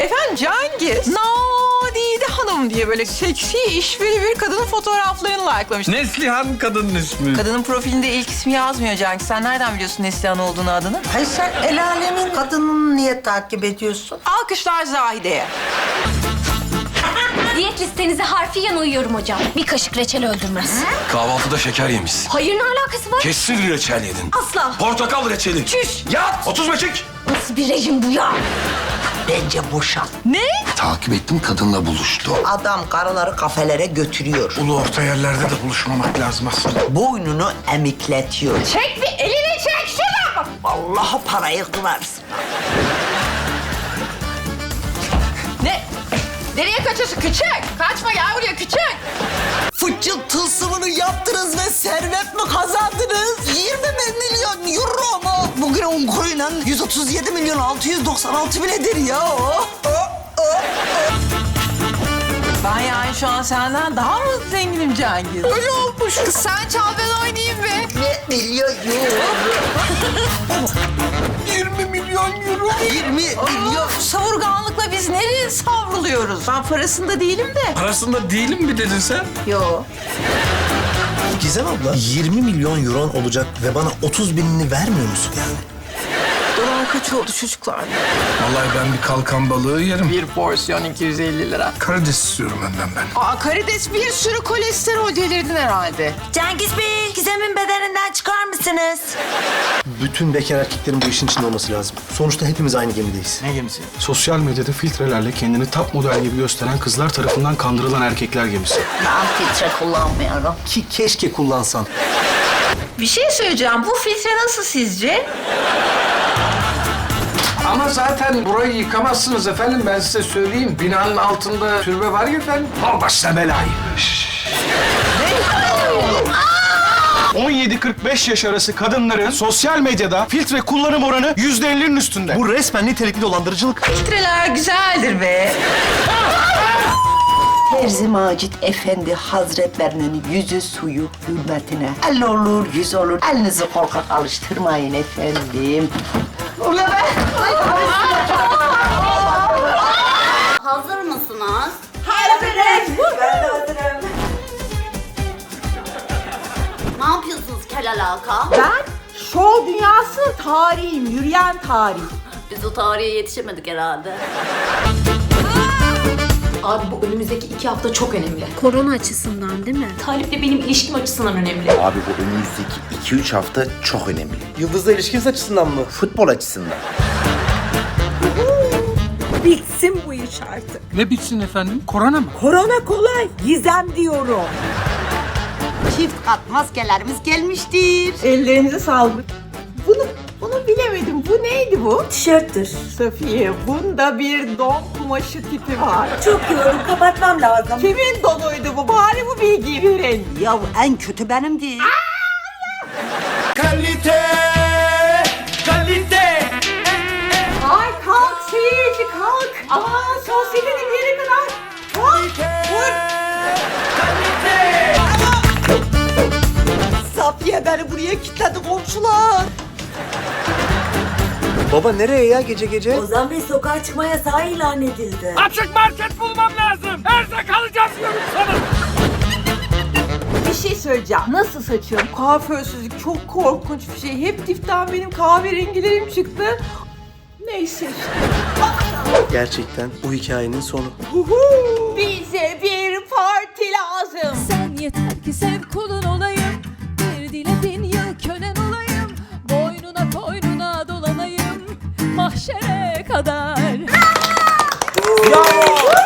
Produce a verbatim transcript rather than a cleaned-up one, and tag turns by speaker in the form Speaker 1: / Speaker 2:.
Speaker 1: Efendim Cengiz, Nadide Hanım diye böyle seksi işveri bir kadının fotoğraflarını likelamış.
Speaker 2: Neslihan kadının ismi.
Speaker 1: Kadının profilinde ilk ismi yazmıyor Cengiz. Sen nereden biliyorsun Neslihan olduğunu adını?
Speaker 3: Hayır sen el alemin kadınını niye takip ediyorsun?
Speaker 1: Alkışlar Zahide'ye.
Speaker 4: Diyet listenize harfiyen uyuyorum hocam. Bir kaşık reçel öldürmez.
Speaker 5: Kahvaltıda şeker yemişsin.
Speaker 4: Hayır, ne alakası var?
Speaker 5: Kesin reçel yedin.
Speaker 4: Asla.
Speaker 5: Portakal reçeli.
Speaker 4: Çüş.
Speaker 5: Yat. otuz beşik.
Speaker 4: Nasıl bir rejim bu ya?
Speaker 3: Bence boşan.
Speaker 1: Ne?
Speaker 5: Takip ettim, kadınla buluştu.
Speaker 3: Adam karıları kafelere götürüyor.
Speaker 2: Ulu orta yerlerde de buluşmamak lazım aslında.
Speaker 3: Boynunu emikletiyor.
Speaker 4: Çek bir elini çek şunu.
Speaker 3: Vallahi parayı kırarsın.
Speaker 1: Ne? Nereye kaçıyorsun küçük? Kaçma gel buraya küçük.
Speaker 3: Fıçı tılsımını yaptınız ve servet mi kazandınız? yirmi milyon euro mu? Bugün on kuruyla yüz otuz yedi milyon altı yüz doksan altı bin eder ya. Oh, oh, oh.
Speaker 1: Ben yani şu an senden daha mı zenginim Cengiz? Öyle olmuş. Kız sen çal ben oynayayım be.
Speaker 3: Ne milyon euro?
Speaker 2: yirmi milyon euro.
Speaker 3: yirmi milyon.
Speaker 1: Savurganlıkla biz nereye savruluyoruz? Ben parasında değilim de.
Speaker 2: Parasında değilim mi dedin sen?
Speaker 1: Yo.
Speaker 6: Gizem abla yirmi milyon euron olacak ve bana otuz binini vermiyor musun yani?
Speaker 1: Dolar kaç oldu çocuklar?
Speaker 2: Vallahi ben bir kalkan balığı yerim.
Speaker 1: Bir porsiyon iki yüz elli lira.
Speaker 2: Karides istiyorum önden ben.
Speaker 1: Aa karides bir sürü kolesterol delirdin herhalde.
Speaker 3: Cengiz Bey, Gizem'in bedeninden çıkar mısınız?
Speaker 6: Bütün bekar erkeklerin bu işin içinde olması lazım. Sonuçta hepimiz aynı gemideyiz.
Speaker 2: Ne gemisi?
Speaker 7: Sosyal medyada filtrelerle kendini top model gibi gösteren kızlar tarafından kandırılan erkekler gemisi.
Speaker 3: Ben filtre kullanmıyorum.
Speaker 6: Ki keşke kullansan.
Speaker 1: Bir şey söyleyeceğim. Bu filtre nasıl sizce?
Speaker 2: Ama zaten burayı yıkamazsınız efendim, ben size söyleyeyim. Binanın altında türbe var ya efendim. Al başına belayı.
Speaker 7: on yedi kırk beş yaş arası kadınların sosyal medyada filtre kullanım oranı yüzde ellinin üstünde.
Speaker 6: Bu resmen nitelikli dolandırıcılık.
Speaker 1: Filtreler güzeldir be.
Speaker 3: Terzi Macit Efendi Hazretlerinin yüzü suyu hürmetine. El olur, yüz olur. Elinizi korkak alıştırmayın efendim. Ula be!
Speaker 8: Hazır mısınız?
Speaker 3: Hazırım. Ben de hazırım.
Speaker 8: Ne yapıyorsunuz kel alaka?
Speaker 9: Ben şov dünyasının tarihiyim, yürüyen tarih.
Speaker 8: Biz o tarihe yetişemedik herhalde.
Speaker 10: Abi bu önümüzdeki iki hafta çok önemli.
Speaker 4: Korona açısından değil mi?
Speaker 10: Talip'le benim ilişkim açısından önemli.
Speaker 11: Abi bu önümüzdeki iki üç hafta çok önemli. Yıldız'la ilişkiniz açısından mı? Futbol açısından.
Speaker 9: Bitsin bu iş artık.
Speaker 2: Ne bitsin efendim? Korona mı?
Speaker 9: Korona kolay, Gizem diyorum.
Speaker 3: Çift kat maskelerimiz gelmiştir.
Speaker 9: Ellerinize sağlık. Bunu, bunu bilemedim. Bu neydi bu? Tişörttür. Safiye, bunda bir don kumaşı tipi var. Çok yoğun, kapatmam lazım. Kimin donuydu bu? Bari bu bilgiyi verin.
Speaker 3: Ya en kötü benimdi.
Speaker 2: Kalite! Kalite!
Speaker 9: Ay kalk seyirci kalk. Aman sosyetenin bir yere kadar. Kalk. Vur. Safiye beni buraya kilitledi komşular.
Speaker 6: Baba nereye ya gece gece?
Speaker 9: Ozan Bey sokağa çıkma yasağı ilan edildi.
Speaker 2: Açık market bulmam lazım. Erzak alacağım diyorum sana.
Speaker 9: Bir şey söyleyeceğim. Nasıl saçıyorum? Kuaförsüzlük çok korkunç bir şey. Hep dipten benim kahverengilerim çıktı. Neyse işte.
Speaker 6: Gerçekten bu hikayenin sonu.
Speaker 9: Bize bir parti lazım.
Speaker 10: Sen yeter ki sev kulun olayım. Bir diledin yıl kölen olayım. Boynuna koynuna dolanayım. Mahşere kadar.
Speaker 9: Bravo.